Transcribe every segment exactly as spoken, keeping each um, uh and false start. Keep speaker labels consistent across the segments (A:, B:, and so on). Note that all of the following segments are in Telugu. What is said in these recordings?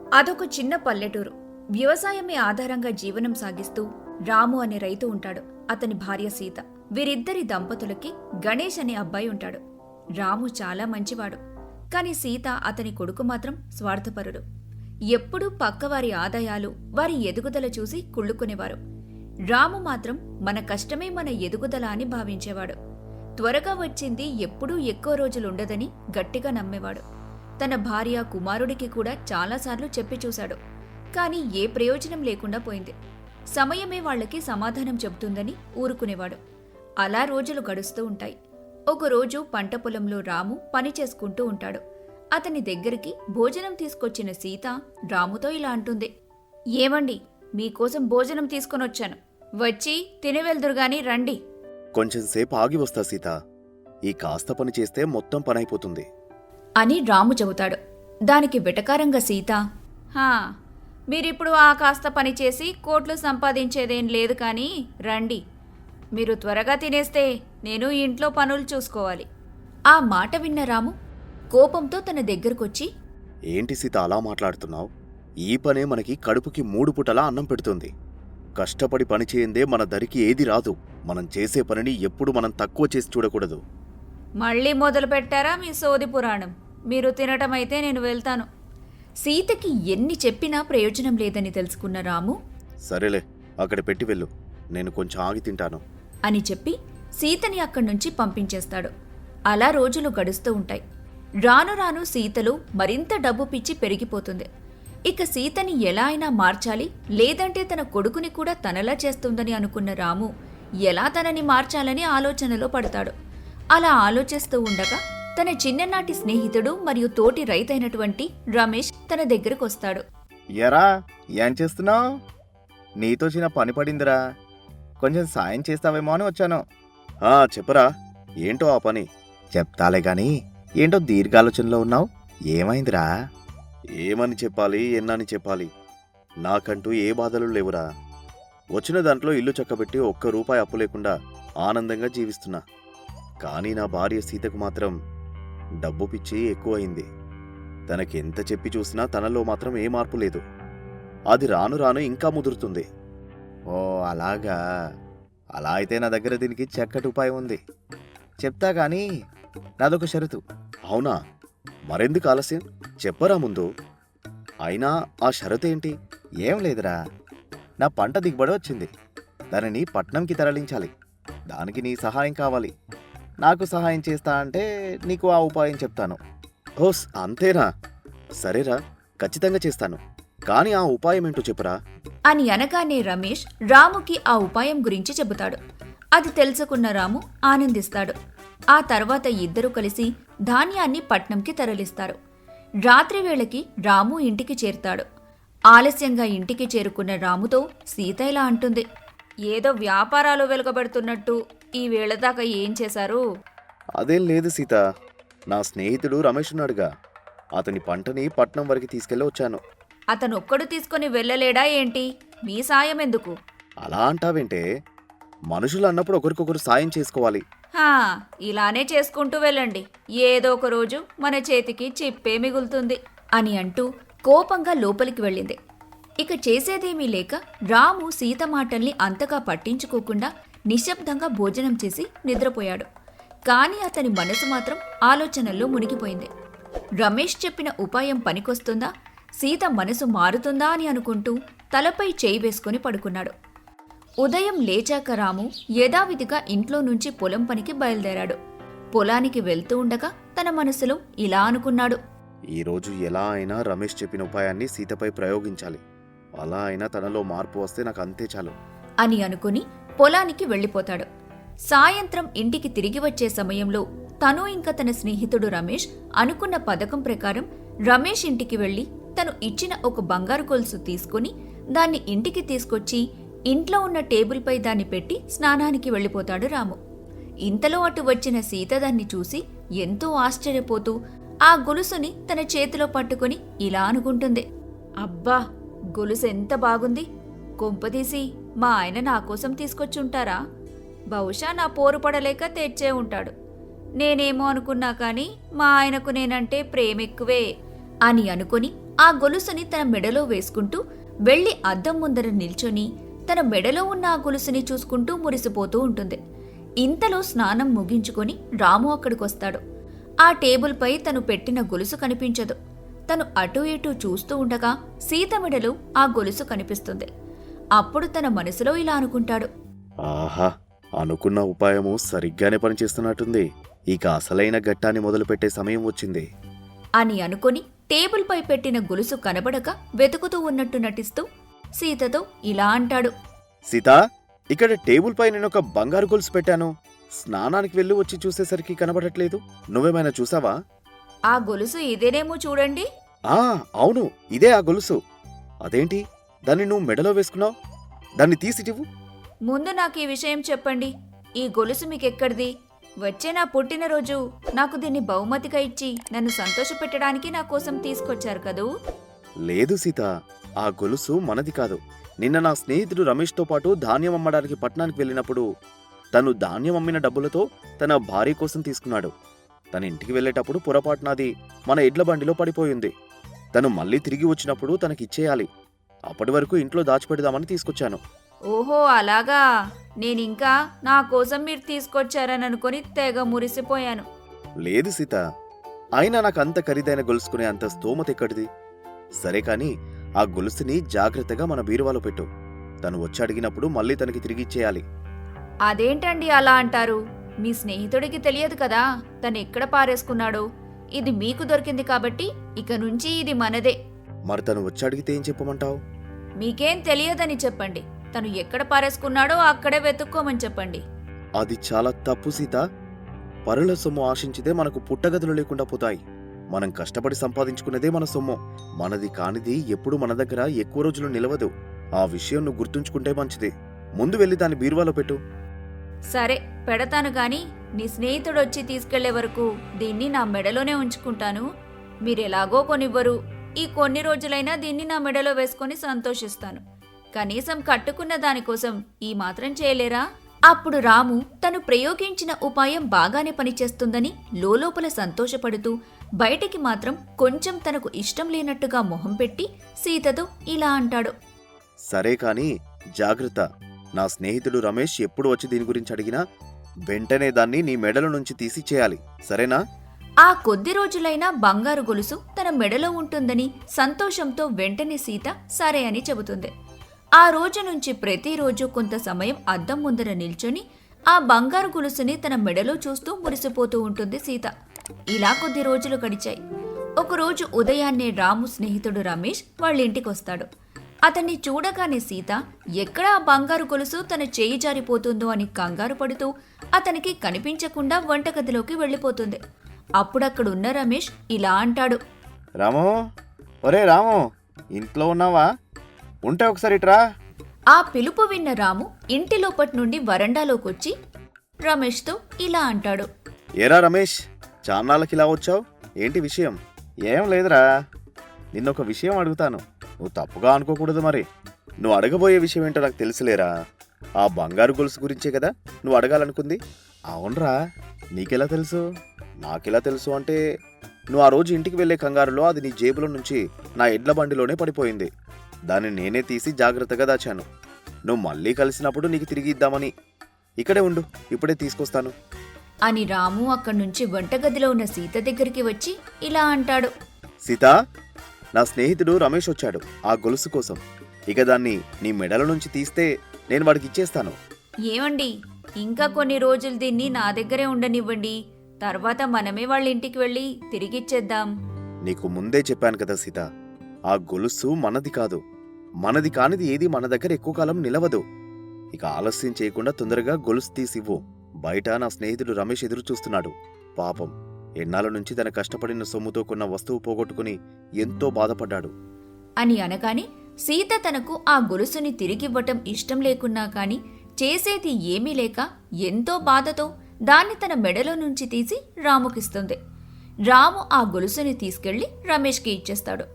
A: అదొక చిన్న పల్లెటూరు. వ్యవసాయమే ఆధారంగా జీవనం సాగిస్తూ రాము అనే రైతు ఉంటాడు. అతని భార్య సీత. వీరిద్దరి దంపతులకి గణేష్ అనే అబ్బాయి ఉంటాడు. రాము చాలా మంచివాడు. కాని సీత అతని కొడుకు మాత్రం స్వార్థపరుడు. ఎప్పుడూ పక్కవారి ఆదాయాలు, వారి ఎదుగుదల చూసి కుళ్ళుకునేవారు. రాము మాత్రం మన కష్టమే మన ఎదుగుదల అని భావించేవాడు. త్వరగా వచ్చింది ఎప్పుడూ ఎక్కువ రోజులుండదని గట్టిగా నమ్మేవాడు. తన భార్య, కుమారుడికి కూడా చాలాసార్లు చెప్పి చూశాడు. కాని ఏ ప్రయోజనం లేకుండా పోయింది. సమయమే వాళ్లకి సమాధానం చెబుతుందని ఊరుకునేవాడు. అలా రోజులు గడుస్తూ ఉంటాయి. ఒకరోజు పంట పొలంలో రాము పని చేసుకుంటూ ఉంటాడు. అతని దగ్గరికి భోజనం తీసుకొచ్చిన సీత రాముతో ఇలా అంటుంది. ఏమండి, మీకోసం భోజనం తీసుకొనొచ్చాను. వచ్చి తినవెళ్దురుగాని రండి.
B: కొంచెం సేపు ఆగి వస్తా సీత. ఈ కాస్త పని చేస్తే మొత్తం పనైపోతుంది
A: అని రాము చెబుతాడు. దానికి వెటకారంగా సీత, హా మీరిప్పుడు ఆ కాస్త పని చేసి కోట్లు సంపాదించేదేం లేదు కానీ రండి. మీరు త్వరగా తినేస్తే నేను ఇంట్లో పనులు చూసుకోవాలి. ఆ మాట విన్న రాము కోపంతో తన దగ్గరకొచ్చి,
B: ఏంటి సీత అలా మాట్లాడుతున్నావు? ఈ పనే మనకి కడుపుకి మూడు పుటలా అన్నం పెడుతుంది. కష్టపడి పని చేయందే మన దరికి ఏది రాదు. మనం చేసే పనిని ఎప్పుడు మనం తక్కువ చేసి చూడకూడదు.
A: మళ్ళీ మొదలు పెట్టారా మీ సోది పురాణం? మీరు తినటమైతే నేను వెళ్తాను. సీతకి ఎన్ని చెప్పినా ప్రయోజనం లేదని తెలుసుకున్న రాము,
B: సరేలే, అక్కడ పెట్టి వెళ్ళు, నేను కొంచెం ఆగి తింటాను
A: అని చెప్పి సీతని అక్కడ్నుంచి పంపించేస్తాడు. అలా రోజులు గడుస్తూ ఉంటాయి. రాను రాను సీతలో మరింత డబ్బు పిచ్చి పెరిగిపోతుంది. ఇక సీతని ఎలా అయినా మార్చాలి, లేదంటే తన కొడుకుని కూడా తనలా చేస్తుందని అనుకున్న రాము ఎలా తనని మార్చాలని ఆలోచనలో పడతాడు. అలా ఆలోచిస్తూ ఉండగా తన చిన్ననాటి స్నేహితుడు మరియు తోటి రైతైనటువంటి రమేష్ తన దగ్గరకొస్తాడు.
C: ఎరా, ఏం చేస్తున్నావు? నీతో చిన్న పని పడిందిరా, కొంచెం సాయం చేస్తావేమో అని వచ్చాను.
B: ఆ చెప్పరా, ఏంటో ఆ పని?
C: చెప్తాలే గాని ఏంటో దీర్ఘాలోచనలో ఉన్నావు, ఏమైందిరా?
B: ఏమని చెప్పాలి, ఎన్నని చెప్పాలి? నాకంటూ ఏ బాధలు లేవురా. వచ్చిన దాంట్లో ఇల్లు చక్కబెట్టి ఒక్క రూపాయి అప్పు లేకుండా ఆనందంగా జీవిస్తున్నా. కానీ నా భార్య సీతకు మాత్రం డబ్బు పిచ్చి ఎక్కువైంది. తనకెంత చెప్పి చూసినా తనలో మాత్రం ఏ మార్పు లేదు. అది రాను రాను ఇంకా ముదురుతుంది.
C: ఓ అలాగా, అలా అయితే నా దగ్గర దీనికి చక్కటి ఉపాయం ఉంది, చెప్తా గాని నాదొక షరతు.
B: అవునా? మరెందుకు ఆలస్యం, చెప్పరా ముందు. అయినా ఆ షరతు ఏంటి?
C: ఏం లేదురా, నా పంట దిగుబడి వచ్చింది, దానిని పట్నంకి తరలించాలి. దానికి నీ సహాయం కావాలి. నాకు సహాయం చేస్తా అంటే నీకు ఆ ఉపాయం చెప్తాను.
B: ఓస్ అంతేనా? సరేరా, ఖచ్చితంగా చేస్తాను. కానీ ఆ ఉపాయం ఏంటో చెప్పురా
A: అని అనగానే రమేష్ రాముకి ఆ ఉపాయం గురించి చెబుతాడు. అది తెలుసుకున్న రాము ఆనందిస్తాడు. ఆ తర్వాత ఇద్దరూ కలిసి ధాన్యాన్ని పట్నంకి తరలిస్తారు. రాత్రి వేళకి రాము ఇంటికి చేరుతాడు. ఆలస్యంగా ఇంటికి చేరుకున్న రాముతో సీత ఇలా అంటుంది. ఏదో వ్యాపారాలు వెలుగబెడుతున్నట్టు ఈ వేళ దాకా ఏం చేశారు?
B: అదేం లేదు సీత, నా స్నేహితుడు రమేష్ ఉన్నాడుగా, అతని పంటని పట్నం వరకు తీసుకెళ్ళి వచ్చాను.
A: అతనొక్కడు తీసుకుని వెళ్ళలేడా ఏంటి? మీ సాయం ఎందుకు?
B: అలా అంటావేంటే? మనుషులు అన్నప్పుడు ఒకరికొకరు సాయం చేసుకోవాలి.
A: హా, ఇలానే చేసుకుంటూ వెళ్ళండి, ఏదో ఒక రోజు మన చేతికి చిప్పే మిగులుతుంది అని అంటూ కోపంగా లోపలికి వెళ్ళింది. ఇక చేసేదేమీ లేక రాము సీత మాటల్ని అంతగా పట్టించుకోకుండా నిశ్శబ్దంగా భోజనం చేసి నిద్రపోయాడు. కాని అతని మనసు మాత్రం ఆలోచనల్లో మునిగిపోయింది. రమేష్ చెప్పిన ఉపాయం పనికొస్తుందా, సీత మనసు మారుతుందా అని అనుకుంటూ తలపై చేయి వేసుకుని పడుకున్నాడు. ఉదయం లేచాక రాము యథావిధిగా ఇంట్లో నుంచి పొలం పనికి బయలుదేరాడు. పొలానికి వెళ్తూ ఉండగా తన మనసులో ఇలా అనుకున్నాడు.
B: ఈరోజు ఎలా అయినా రమేష్ చెప్పిన ఉపాయాన్ని సీతపై ప్రయోగించాలి. అలా అయినా తనలో మార్పు వస్తే నాకు అంతే చాలు
A: అని అనుకుని పొలానికి వెళ్ళిపోతాడు. సాయంత్రం ఇంటికి తిరిగి వచ్చే సమయంలో తను ఇంకా తన స్నేహితుడు రమేష్ అనుకున్న పథకం ప్రకారం రమేష్ ఇంటికి వెళ్లి తను ఇచ్చిన ఒక బంగారు గొలుసు తీసుకుని దాన్ని ఇంటికి తీసుకొచ్చి ఇంట్లో ఉన్న టేబుల్పై దాన్ని పెట్టి స్నానానికి వెళ్ళిపోతాడు రాము. ఇంతలో అటు వచ్చిన సీత దాన్ని చూసి ఎంతో ఆశ్చర్యపోతూ ఆ గొలుసుని తన చేతిలో పట్టుకుని ఇలా అనుకుంటుంది. అబ్బా, గొలుసు ఎంత బాగుంది! కొంపదీసి మా ఆయన నా కోసం తీసుకొచ్చుంటారా? బహుశా నా పోరు పడలేక తెచ్చే ఉంటాడు. నేనేమో అనుకున్నా కానీ మా ఆయనకు నేనంటే ప్రేమెక్కువే అని అనుకుని ఆ గొలుసుని తన మెడలో వేసుకుంటూ వెళ్లి అద్దం ముందర నిల్చొని తన మెడలో ఉన్న ఆ గొలుసుని చూసుకుంటూ మురిసిపోతూ ఉంటుంది. ఇంతలో స్నానం ముగించుకొని రాము అక్కడికొస్తాడు. ఆ టేబుల్పై తను పెట్టిన గొలుసు కనిపించదు. తను అటూ ఇటూ చూస్తూ ఉండగా సీత మెడలో ఆ గొలుసు కనిపిస్తుంది. అప్పుడు తన మనసులో ఇలా అనుకుంటాడు,
B: ఆహా, అనుకున్న ఉపాయము సరిగ్గానే పనిచేస్తున్నట్టుంది. ఇక అసలైన ఘట్టాన్ని మొదలుపెట్టే సమయం వచ్చింది
A: అని అనుకొని టేబుల్పై పెట్టిన గొలుసు కనబడక వెతుకుతూ ఉన్నట్టు నటిస్తూ సీతతో ఇలా అంటాడు,
B: సీత, ఇక్కడ టేబుల్ పై నేను ఒక బంగారు గొలుసు పెట్టాను. స్నానానికి వెళ్ళి వచ్చి చూసేసరికి కనబడట్లేదు. నువ్వేమైనా చూసావా?
A: ఆ గొలుసు ఇదేనేమో చూడండి.
B: ఆ అవును, ఇదే ఆ గొలుసు. అదేంటి, దాన్ని నువ్వు మెడలో వేసుకున్నావు? దాన్ని తీసిటివు.
A: ముందు నాకు ఈ విషయం చెప్పండి. ఈ గొలుసు మీకెక్కడిది? వచ్చే నా పుట్టినరోజు నాకు దీన్ని బహుమతిగా ఇచ్చి నన్ను సంతోషపెట్టడానికి నా కోసం తీసుకొచ్చారు కదూ.
B: లేదు సీత, ఆ గొలుసు మనది కాదు. నిన్న నా స్నేహితుడు రమేష్తో పాటు ధాన్యం అమ్మడానికి పట్టణానికి వెళ్ళినప్పుడు తను ధాన్యం అమ్మిన డబ్బులతో తన భార్య కోసం తీసుకున్నాడు. తన ఇంటికి వెళ్ళేటప్పుడు పొరపాటునది మన ఎడ్ల బండిలో పడిపోయింది. తను మళ్ళీ తిరిగి వచ్చినప్పుడు తనకిచ్చేయాలి. అప్పటి వరకు ఇంట్లో దాచిపెడదామని తీసుకొచ్చాను.
A: ఓహో అలాగా. నేనింకా నా కోసం మీరు తీసుకొచ్చారని అనుకుని తెగ మురిసిపోయాను.
B: లేదు సీత, అయినా నాకు అంత ఖరీదైన గొలుసుకునే అంత స్తోమత ఎక్కడిది? సరే కాని ఆ గొలుసుని జాగ్రత్తగా మన బీరువాలో పెట్టు. తను వచ్చి అడిగినప్పుడు మళ్ళీ తనకి తిరిగిచ్చేయాలి.
A: అదేంటండి అలా అంటారు? మీ స్నేహితుడికి తెలియదు కదా తను ఎక్కడ పారేసుకున్నాడో. ఇది మీకు దొరికింది కాబట్టి ఇక నుంచి ఇది మనదే.
B: మరి తను వచ్చి అడిగితే ఏం చెప్పమంటావు?
A: మీకేం తెలియదని చెప్పండి. తను ఎక్కడ పారేసుకున్నాడో అక్కడే వెతుక్కోమని చెప్పండి.
B: అది చాలా తప్పు సీత. పరుల సొమ్ము ఆశించితే మనకు పుట్టగదులు లేకుండా పోతాయి. మనం కష్టపడి సంపాదించుకునేదే మన సొమ్ము. మనది కానిది ఎప్పుడు మన దగ్గర ఎక్కువ రోజులు నిలవదు. ఆ విషయం నువ్వు గుర్తుంచుకుంటే మంచిది. ముందు వెళ్ళి దాన్ని బీరువాలో పెట్టు.
A: సరే పెడతాను గాని నీ స్నేహితుడు వచ్చి తీసుకెళ్లే వరకు దీన్ని నా మెడలోనే ఉంచుకుంటాను. మీరెలాగో కొనివ్వరు. ఈ కొన్ని రోజులైనా దీన్ని నా మెడలో వేసుకొని సంతోషిస్తాను. కనీసం కట్టుకున్న దానికోసం ఈ మాత్రం చేయలేరా? అప్పుడు రాము తను ప్రయోగించిన ఉపాయం బాగానే పనిచేస్తుందని లోలోపల సంతోషపడుతూ బయటికి మాత్రం కొంచెం తనకు ఇష్టం లేనట్టుగా మొహం పెట్టి సీతతో ఇలా అంటాడు,
B: సరే కాని జాగ్రత్త. నా స్నేహితుడు రమేష్ ఎప్పుడు వచ్చి దీని గురించి అడిగినా వెంటనే దాన్ని నీ మెడల నుంచి తీసి చేయాలి, సరేనా?
A: ఆ కొద్ది రోజులైనా బంగారు గొలుసు తన మెడలో ఉంటుందని సంతోషంతో వెంటనే సీత సరే అని చెబుతుంది. ఆ రోజు నుంచి ప్రతిరోజు కొంత సమయం అద్దం ముందర నిల్చొని ఆ బంగారు గొలుసుని తన మెడలో చూస్తూ మురిసిపోతూ ఉంటుంది సీత. ఇలా కొద్ది రోజులు గడిచాయి. ఒకరోజు ఉదయాన్నే రాము స్నేహితుడు రమేష్ వాళ్ళింటికొస్తాడు. అతన్ని చూడగానే సీత ఎక్కడ ఆ బంగారు గొలుసు తన చేయి జారిపోతుందో అని కంగారు పడుతూ అతనికి కనిపించకుండా వంటగదిలోకి వెళ్ళిపోతుంది. అప్పుడక్కడున్న రమేష్ ఇలా అంటాడు,
C: రాము, ఒరే రాము, ఇంట్లో ఉన్నావా? ఉంటే ఒకసారి ఇట్రా.
A: ఆ పిలుపు విన్న రాము ఇంటి లోపటి నుండి వరండాలోకొచ్చి రమేష్తో ఇలా అంటాడు,
B: ఏరా రమేష్, చాన్నాళ్ళకి ఇలా వచ్చావు? ఏంటి విషయం?
C: ఏం లేదురా, నిన్నొక విషయం అడుగుతాను, నువ్వు తప్పుగా అనుకోకూడదు. మరి
B: నువ్వు అడగబోయే విషయం ఏంటో నాకు తెలుసులేరా. ఆ బంగారు గొలుసు గురించే కదా నువ్వు అడగాలనుకుంది?
C: అవునరా, నీకెలా తెలుసు?
B: నాకెలా తెలుసు అంటే, నువ్వు ఆ రోజు ఇంటికి వెళ్లే కంగారులో అది నీ జేబులో నుంచి నా ఎడ్ల బండిలోనే పడిపోయింది. దాన్ని నేనే తీసి జాగ్రత్తగా దాచాను. నువ్వు మళ్ళీ కలిసినప్పుడు నీకు తిరిగి ఇద్దామని. ఇక్కడే ఉండు, ఇప్పుడే తీసుకొస్తాను
A: అని రాము అక్కడ్నుంచి వంటగదిలో ఉన్న సీత దగ్గరికి వచ్చి ఇలా అంటాడు,
B: సీత, నా స్నేహితుడు రమేష్ వచ్చాడు ఆ గొలుసు కోసం. ఇక దాన్ని నీ మెడల నుంచి తీస్తే నేను వాడికి ఇచ్చేస్తాను.
A: ఏమండి, ఇంకా కొన్ని రోజులు దీన్ని నా దగ్గరే ఉండనివ్వండి. తర్వాత మనమే వాళ్ళ ఇంటికి వెళ్ళి తిరిగిచ్చేద్దాం.
B: నీకు ముందే చెప్పాను కదా సీత, ఆ గొలుసు మనది కాదు. మనది కానిది ఏది మన దగ్గర ఎక్కువ కాలం నిలవదు. ఇక ఆలస్యం చేయకుండా తొందరగా గొలుసు తీసివ్వు. బయట నా స్నేహితుడు రమేష్ ఎదురు చూస్తున్నాడు. పాపం, ఎన్నాళ్ళ నుంచి తన కష్టపడిన సొమ్ముతో కొన్న వస్తువు పోగొట్టుకుని ఎంతో బాధపడ్డాడు
A: అని అనగానే సీత తనకు ఆ గొలుసుని తిరిగివ్వటం ఇష్టం లేకున్నా కాని చేసేది ఏమీ లేక ఎంతో బాధతో దాన్ని తన మెడలో నుంచి తీసి రాముకిస్తుంది. రాము ఆ గొలుసుని తీసుకెళ్లి రమేష్కి ఇచ్చేస్తాడు.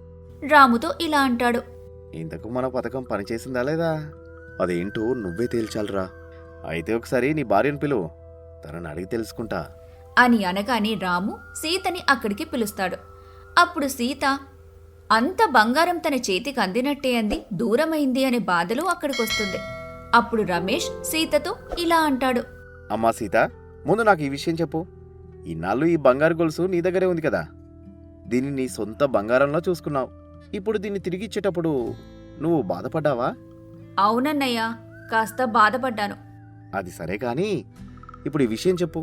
A: రాముతో ఇలా అంటాడు,
C: ఇంతకు మన పథకం పనిచేసిందా లేదా?
B: అదేంటో నువ్వే తేల్చాలరా.
C: అయితే ఒకసారి నీ భార్యను పిలువు, తనని అడిగి తెలుసుకుంటా
A: అని అనగానే రాము సీతని అక్కడికి పిలుస్తాడు. అప్పుడు సీత, అంత బంగారం తన చేతికి అందినట్టే అంది దూరమైంది అనే బాధలో అక్కడికొస్తుంది. అప్పుడు రమేష్ సీతతో ఇలా అంటాడు.
C: అమ్మా సీత, ముందు నాకు ఈ విషయం చెప్పు. ఇన్నాళ్ళు ఈ బంగారు గొలుసు నీ దగ్గరే ఉంది కదా, దీన్ని నీ సొంత బంగారంలో చూసుకున్నావు. ఇప్పుడు దీన్ని తిరిగి ఇచ్చేటప్పుడు నువ్వు బాధపడ్డావా?
A: అవునన్నయ్య, కాస్త బాధపడ్డాను.
C: అది సరే కానీ ఇప్పుడు ఈ విషయం చెప్పు.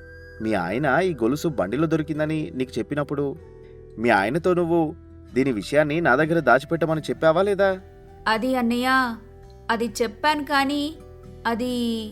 C: మీ ఆయన ఈ గొలుసు బండిలో దొరికిందని నీకు చెప్పినప్పుడు మీ ఆయనతో నువ్వు దీని విషయాన్ని నా దగ్గర దాచిపెట్టమని చెప్పావా లేదా?
A: అది అన్నయ్య, అది చెప్పాను కానీ అది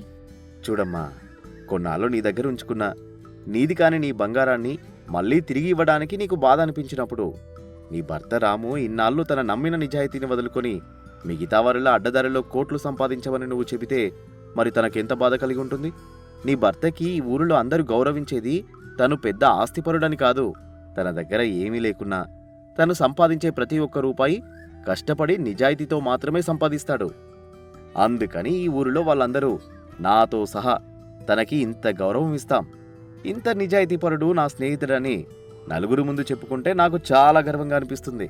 C: చూడమ్మా, కొన్నాళ్ళు నీ దగ్గర ఉంచుకున్న నీది కాని నీ బంగారాన్ని మళ్ళీ తిరిగి ఇవ్వడానికి నీకు బాధ అనిపించినప్పుడు నీ భర్త రాము ఇన్నాళ్ళు తన నమ్మిన నిజాయితీని వదులుకొని మిగతా వారిలో అడ్డదారిలో కోట్లు సంపాదించమని నువ్వు చెబితే మరి తనకెంత బాధ కలిగి ఉంటుంది? నీ భర్తకి ఈ ఊరిలో అందరూ గౌరవించేది తను పెద్ద ఆస్తిపరుడని కాదు, తన దగ్గర ఏమీ లేకున్నా తను సంపాదించే ప్రతి ఒక్క రూపాయి కష్టపడి నిజాయితీతో మాత్రమే సంపాదిస్తాడు. అందుకని ఈ ఊరిలో వాళ్ళందరూ నాతో సహా తనకి ఇంత గౌరవం ఇస్తాం. ఇంత నిజాయితీపరుడు నా స్నేహితుడని నలుగురు ముందు చెప్పుకుంటే నాకు చాలా గర్వంగా అనిపిస్తుంది.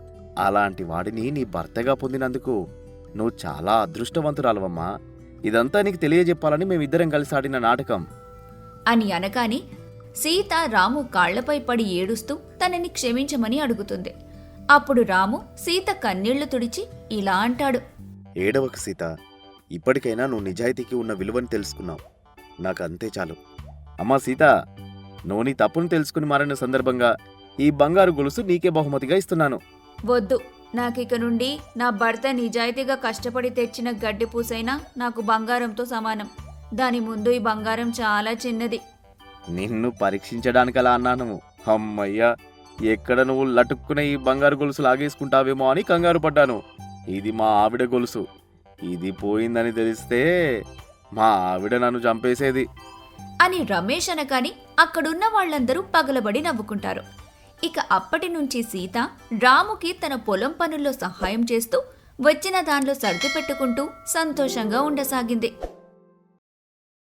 C: అలాంటి వాడిని నీ భర్తగా పొందినందుకు నువ్వు చాలా అదృష్టవంతురాలవమ్మా. ఇదంతా నీకు తెలియజెప్పాలని మేమిద్దరం కలిసి ఆడిన నాటకం
A: అని అనగానే సీత రాము కాళ్లపై పడి ఏడుస్తూ తనని క్షమించమని అడుగుతుంది. అప్పుడు రాము సీత కన్నీళ్లు తుడిచి ఇలా అంటాడు.
B: ఏడవకు సీత, ఇప్పటికైనా నువ్వు నిజాయితీకి ఉన్న విలువని తెలుసుకున్నావు. నాకంతే చాలు.
C: అమ్మా సీత, నువ్వు నీ తప్పును తెలుసుకుని మారిన సందర్భంగా ఈ బంగారు గొలుసు నీకే బహుమతిగా ఇస్తున్నాను.
A: వద్దు, నాకిక నుండి నా భర్త నిజాయితీగా కష్టపడి తెచ్చిన గడ్డి పూసైనా నాకు బంగారంతో సమానం. దాని ముందు ఈ బంగారం చాలా చిన్నది.
C: నిన్ను పరీక్షించడానికి అలా అన్నాను. అమ్మయ్యా, ఎక్కడ నువ్వు లటుక్కున ఈ బంగారు గొలుసు లాగేసుకుంటావేమో అని కంగారు పడ్డాను. ఇది మా ఆవిడ గొలుసు. ఇది పోయిందని తెలిస్తే మా ఆవిడ నన్ను చంపేసేది
A: అని రమేష్ అనగాని అక్కడున్న వాళ్ళందరూ పగలబడి నవ్వుకుంటారు. ఇక అప్పటి నుంచి సీత రాముకి తన పొలం పనుల్లో సహాయం చేస్తూ వచ్చిన దానిలో సర్ది పెట్టుకుంటూ సంతోషంగా ఉండసాగింది.